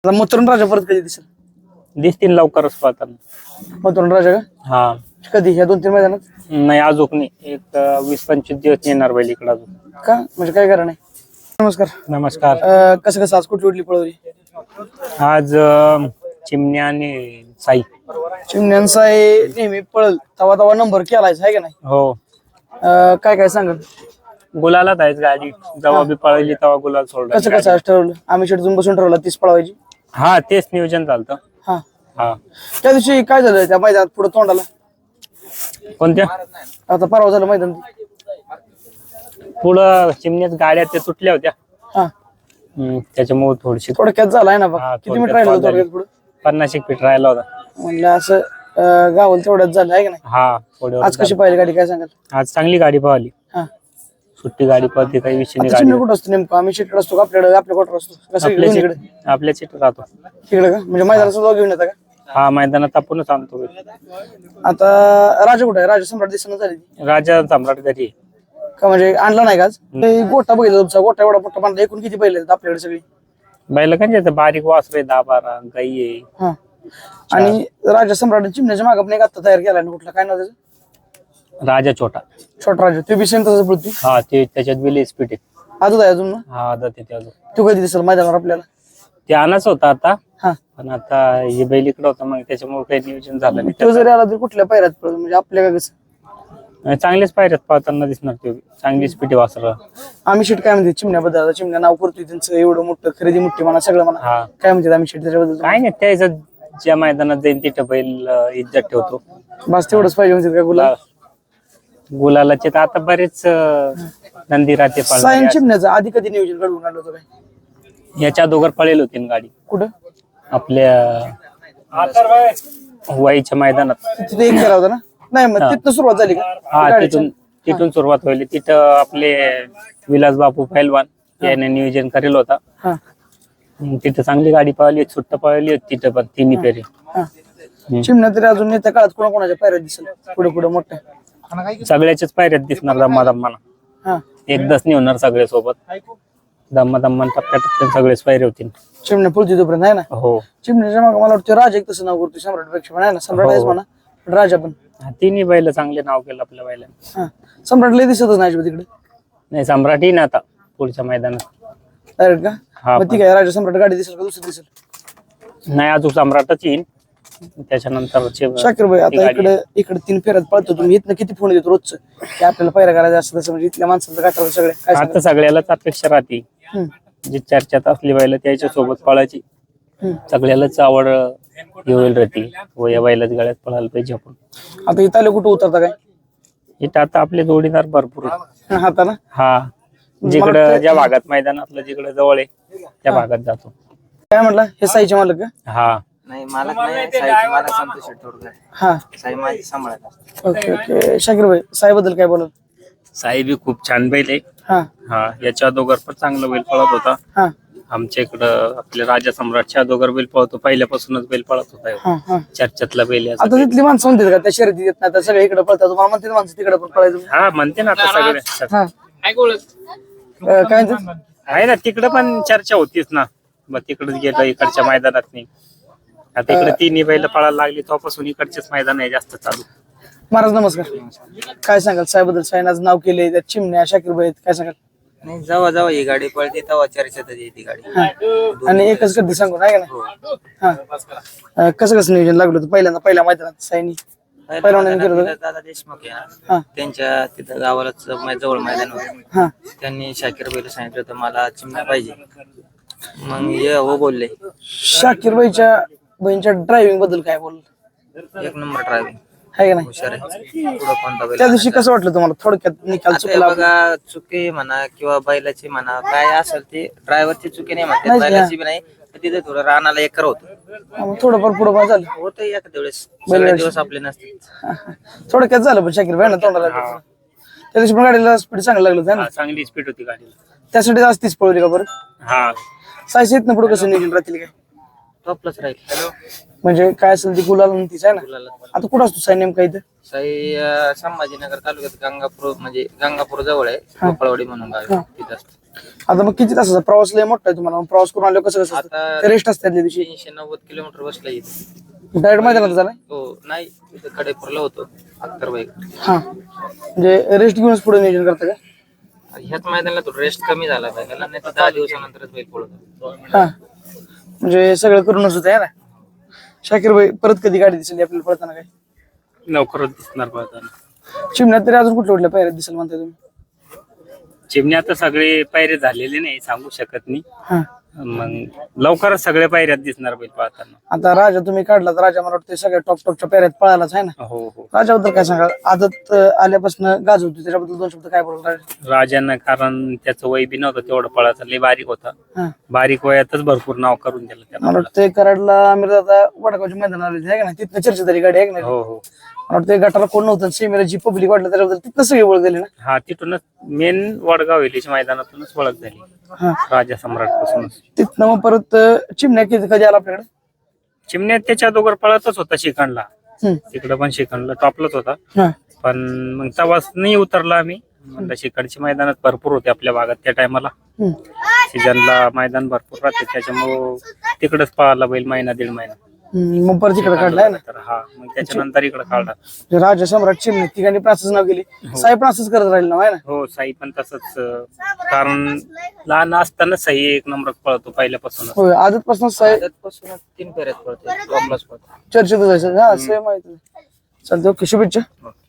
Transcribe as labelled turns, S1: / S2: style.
S1: आता मथुरण राजा परत कधी दिसेल?
S2: दिसतील लवकरच पाहताना.
S1: मथुरण राजा का
S2: हा
S1: कधी ह्या 2-3 मैदानात?
S2: नाही अजून नाही, एक 20-25 दिवस येणार बैल इकडे अजून.
S1: का म्हणजे काय कारण आहे? नमस्कार.
S2: नमस्कार.
S1: कसं कसं आज कुठली कुठली पळवली?
S2: आज चिमण्या आणि साई.
S1: चिमण्यांचा नेहमी पळल तवा तवा नंबर केलायच आहे का नाही?
S2: हो.
S1: काय काय सांगाल?
S2: गुलाला जायच गाडी जेव्हा बी पळली तेव्हा गुलाल सोडला.
S1: कसं कसं आज ठरवलं? आम्ही शेटून बसून ठरवलं 30 पळवायची.
S2: हा तेच नियोजन झालं.
S1: हा
S2: हा
S1: त्या दिवशी काय झालं त्या मैदानात पुढे तोंडाला?
S2: कोणत्या?
S1: आता परवा झालं मैदान.
S2: पुढं चिमण्यात गाड्या त्या तुटल्या होत्या.
S1: हा
S2: त्याच्यामुळे थोडीशी
S1: थोडक्यात झालाय ना बघ.
S2: हा,
S1: किती मीटर राहिलं होतं थोडक्यात पुढे?
S2: 50 फीट राहिला होता.
S1: म्हणलं असं गावल तेवढ्यात झालं आहे का नाही?
S2: हा पुढे
S1: आज कशी पाहिली गाडी काय सांगाल?
S2: आज चांगली गाडी पळाली.
S1: हा
S2: सुट्टी गाडी पळते, काही विषय नाही.
S1: आता
S2: गाडी
S1: चिमणी कुठं असतो नेमकं? आम्ही शेटकडे असतो का आपल्याकडे आपल्या कोटर असतो? कसं इकडे
S2: आपल्या सीट राहतो
S1: तिकडे का म्हणजे मैदानाचा जाऊ घेऊन येता का?
S2: हा मैदानात आपणच आणतो.
S1: आता राजा कुठे आहे? राजा सम्राट दिसणं झाली
S2: राजा सम्राट घरी आहे.
S1: का म्हणजे आणला नाही का आज? ते गोटा बघितला तुमचा गोटा एवढा मोठा बांधला. एकूण किती बैल आहेत आपल्याकडे सगळी?
S2: बैल म्हणजे बारीक वासरे 10-12 गाई आहे.
S1: हा आणि राजा सम्राट चिमण्याच्या मागे पण एक आता तयार केला ना कुठला काय नाव त्याचं?
S2: राजा छोटा.
S1: छोटा राजा ते बी सेम तसं पृथ्वी
S2: हा ते त्याच्यात बिल स्पीड आहे.
S1: आजच आहे अजून ना?
S2: हा आता ते अजून
S1: तू कधी दिसेल मैदानावर आपल्याला?
S2: ते आणाच होता आता,
S1: हा
S2: पण आता हे बैल इकडे होता मग त्याच्यामुळे काही नियोजन झालं नाही.
S1: तो जरी आला तरी कुठल्या पायऱ्यात पळतो म्हणजे आपल्या का कसं?
S2: चांगलेच पायऱ्यात पाहताना दिसणार ते, चांगली स्पीड वासर.
S1: आम्ही शेट काय म्हणते चिमण्याबद्दल? आता चिमण्या नाव करतोय त्यांचं एवढं मोठं खरेदी मोठी म्हणा सगळं म्हणा.
S2: हा
S1: काय म्हणतात आम्ही शेट त्याच्याबद्दल?
S2: काय नाही, त्याचं ज्या मैदानात जाईल तिथं बैल इज्जत ठेवतो.
S1: बस तेवढंच पाहिजे म्हणतात का गुलाब?
S2: गुलालाचे तर आता बरेच नंदी राहते
S1: सायन चिमण्याचं आधी कधी नियोजन घडवून आणलं होतं काय?
S2: याच्या दोघर पळेल होती ना गाडी
S1: कुठं?
S2: आपल्या वाईच्या मैदानात.
S1: तिथे एक केला होता ना? नाही मग तिथनं सुरुवात झाली का?
S2: हा तिथून सुरुवात व्हायली. तिथं आपले विलास बापू पैलवान याने नियोजन करेल होता.
S1: हा
S2: तिथं चांगली गाडी पळाली, सुट्ट पळाली होती तिथं पण तिन्ही फेरी.
S1: हा चिमण्या तरी अजून येत्या काळात कोणाकोणाच्या पायऱ्यात दिसेल पुढे पुढे मोठ्या?
S2: सगळ्याच्याच पायऱ्यात दिसणार दम्मा दम्माना.
S1: हा
S2: एकदाच नाही होणार सगळे सोबत. दम्मा दम्मान टप्प्यात सगळेच पायरे होतील.
S1: चिमण्या पुढची तोपर्यंत आहे ना?
S2: हो.
S1: चिमण्याच्या मागे मला वाटतं राजा एक तसं नाव करतो सम्राट पेक्षा पण आहे ना? सम्राट आहेच म्हणा पण राजा पण.
S2: तिन्ही बैल चांगले नाव केलं आपल्या बैलांनी.
S1: हा सम्राट लय दिसतच नाही तिकडे.
S2: नाही सम्राट येईन आता पुढच्या मैदानात.
S1: डायरेक्ट का?
S2: हा
S1: मग ती काय राजा सम्राट गाडी दिसेल का दुसरी दिसेल?
S2: नाही अजून सम्राटच येईन त्याच्यानंतर.
S1: शाकीर भाई आता इकडे 3 फेऱ्यात पळतो तुम्ही, इथनं किती फोन येतो रोजचं की आपल्याला पायऱ्या करायचं असं तसं म्हणजे इथल्या माणसाचं गाठावर सगळे काय
S2: आता सगळ्यालाच अपेक्षा राहते जी चर्चेत असली बैल त्याच्या सोबत पळायची. सगळ्यालाच आवड होईल राहते व या बैलाच गाड्यात पळायला पाहिजे आपण.
S1: आता इथं आले कुठं उतरता काय?
S2: इथं आता आपले जोडीदार भरपूर आहेत.
S1: आता ना
S2: हा जिकडं ज्या भागात मैदानातलं जिकडं जवळ आहे त्या भागात जातो.
S1: काय म्हटलं हे साईचे मालक का?
S2: हा
S3: नाही मालक नाही, साईची मालक संतोष शेट्टी.
S1: हा
S3: साई माझी सांभाळत.
S1: ओके ओके शाकीर भाई साईबद्दल काय बोलाल?
S2: साई बी खूप छान बैल आहे.
S1: हा
S2: हा याच्या अगोदर पण चांगला बैल पळत होता.
S1: हा
S2: आमच्या इकडं आपल्या राजा सम्राटच्या अगोदर बैल पळतो, पहिल्यापासूनच बैल पळत होता.
S1: हा हा
S2: चर्चेतला बैल याचा.
S1: आता तिथली माणसं म्हणतात का त्या शर्यती येत नाही, सगळे इकडे पळतात तुम्हाला म्हणते माणसं तिकडे पण पळायचं?
S2: हा म्हणते ना आता सगळे.
S1: हा काय म्हणतात?
S2: आहे ना तिकडं पण चर्चा होतीच ना. मग तिकडच गेलं इकडच्या मैदानात नाही. आता इकडे तिन्ही बैल पळायला लागली तेव्हापासून इकडचेच मैदान आहे जास्त चालू.
S1: महाराज नमस्कार. काय सांगाल साईबद्दल? साईन आज नाव केले त्या चिमण्या शाकीर भाई काय सांगाल?
S3: नाही जेव्हा जेव्हा ही गाडी पळते तेव्हा चर्चेतच येते गाडी.
S1: हा. आणि एकच कधी सांगू नाही का नाही? हा कसं कसं नियोजन लागलं होतं पहिल्या मैदानात साईनी? पहिलवानाने केलं होतं?
S3: दादा देशमुख आहे
S1: हा.
S3: ना, त्यांच्या तिथं गावालाच जवळ मैदान होतं.
S1: हा
S3: त्यांनी शाकीर बैल सांगितलं होतं मला चिमण्या पाहिजे. मग ये हो बोलले.
S1: शाकीर भाईच्या बहिणीच्या ड्रायव्हिंग बद्दल काय बोल?
S3: एक नंबर ड्रायव्हिंग
S1: आहे का नाही?
S3: हुशार आहे. पुढं कोणता बैल
S1: त्या दिवशी कसं वाटलं तुम्हाला? थोडक्यात निकाल
S3: आता हे
S1: चुकला?
S3: बघा चुकी म्हणा किंवा बैलाची म्हणा काय असेल ते ड्रायव्हरची चुकी नाही म्हणते,
S1: नाही,
S3: बैलाची बी नाही. तर तिथे थोडं रानाला एकर होतं.
S1: थोडंफार पुढं काय झालं?
S3: होतं एखाद्या वेळेस, सगळे दिवस आपले नसते.
S1: थोडक्यात झालं पण शाकीर भाई ना तोंडाला. त्या दिवशी पण गाडीला स्पीड चांगलं लागलं होतं ना?
S2: चांगली स्पीड होती गाडीला.
S1: त्यासाठी आज तीच पळवली का बरं?
S2: हा
S1: सायस येत ना पुढे कसं नियोजन राहतील काय?
S3: टॉपलाच राहील.
S1: म्हणजे काय असेल ती गुलाल तीच आहे ना? आता कुठं असतो साई नेमका इथं?
S3: साई संभाजीनगर तालुक्यात गंगापूर म्हणजे गंगापूर जवळ आहे, गोपाळवाडी म्हणून गाव आहे. तिथं असतं.
S1: आता मग किती तासाचा प्रवास लय मोठा आहे तुम्हाला, मग प्रवास करून आलो कसं
S3: आता
S1: रेस्ट असते त्या दिवशी
S3: 390 किलोमीटर बसला इथे.
S1: डायरेक्ट मैदानात झालाय?
S3: हो नाही इथे कडेपूरला होतो अख्तरबाई.
S1: हा म्हणजे रेस्ट घेऊनच पुढे नियोजन करता का?
S3: ह्याच मैदानाला तो रेस्ट कमी झाला पाहिजे नाही तर 10 दिवसानंतरच बैल पळतो.
S1: हा म्हणजे सगळं करूनच होतं ना. शाकीर भाई परत कधी गाडी दिसली आपल्याला पळताना काय?
S2: लवकरच दिसणार पळताना.
S1: चिमण्यात तरी अजून कुठल्या कुठल्या पायऱ्यात दिसेल म्हणताय तुम्ही?
S2: चिमण्या तर सगळे पायरे झालेले नाही, सांगू शकत नाही.
S1: हा
S2: मग लवकरच सगळ्या पायऱ्यात दिसणार बैल पळताना.
S1: आता राजा तुम्ही काढला तर राजा मला वाटतं सगळ्या टॉपच्या पायऱ्यात पळालाच आहे ना.
S2: हो हो.
S1: राजाबद्दल काय सांगा? आदत आल्यापासून गाजवतो त्याच्याबद्दल 2 शब्द काय बोलणार?
S2: राजांना कारण त्याचं वय बी नव्हतं तेवढं पळाचं, लय बारीक होता.
S1: हा
S2: बारीक वयातच भरपूर नाव करून दिलं
S1: मला
S2: त्याला.
S1: वाटतं कराडला आम्ही आता वडगावच्या मैदान आले आहे का नाही, तिथनं चर्चा झाली गाडी आहे का नाही?
S2: हो हो.
S1: मला वाटतं गटाला कोण नव्हतं, सेमीला जी पब्लिक वाटलं त्याच्याबद्दल तिथनं सगळी ओळख झाली ना.
S2: हा तिथूनच मेन वडगाव वेलीच्या मैदानातूनच ओळख झाली
S1: हा
S2: राजा सम्राट पासूनच.
S1: तिथनं मग परत चिमण्या कधी आला आपल्याकडे?
S2: चिमण्यात त्याच्या अगोदर पळतच होता शिखंडला,
S1: हम्म.
S2: तिकडं पण शिखंडला टॉपलाच होता.
S1: हा
S2: पण मग तवाच नाही उतरला आम्ही. म्हणलं शिखंडची मैदानात भरपूर होते आपल्या भागात त्या टायमाला,
S1: हम्म.
S2: सीजनला मैदान भरपूर राहते, त्याच्यामुळं तिकडच पळाला बैल महिना 1.5 महिना.
S1: मग परत इकडे काढलाय ना.
S2: तर हा मग त्याच्यानंतर इकडे काढला.
S1: राजा सम्राट चिमणे तिघांनी पण असंच नाव गेली, साहेब पण असंच करत राहील ना आहे ना.
S2: हो साई पण तसंच, कारण लहान असताना साई 1 नंबर पळतो पहिल्यापासूनच.
S1: होय आदतपासून साहेब
S3: त्यातपासून 3 फेऱ्यात पळतो टॉपलाच पळतो.
S1: चर्चेत जायचं. हा सेम माहिती चालतं. ओके शुभेच्छा.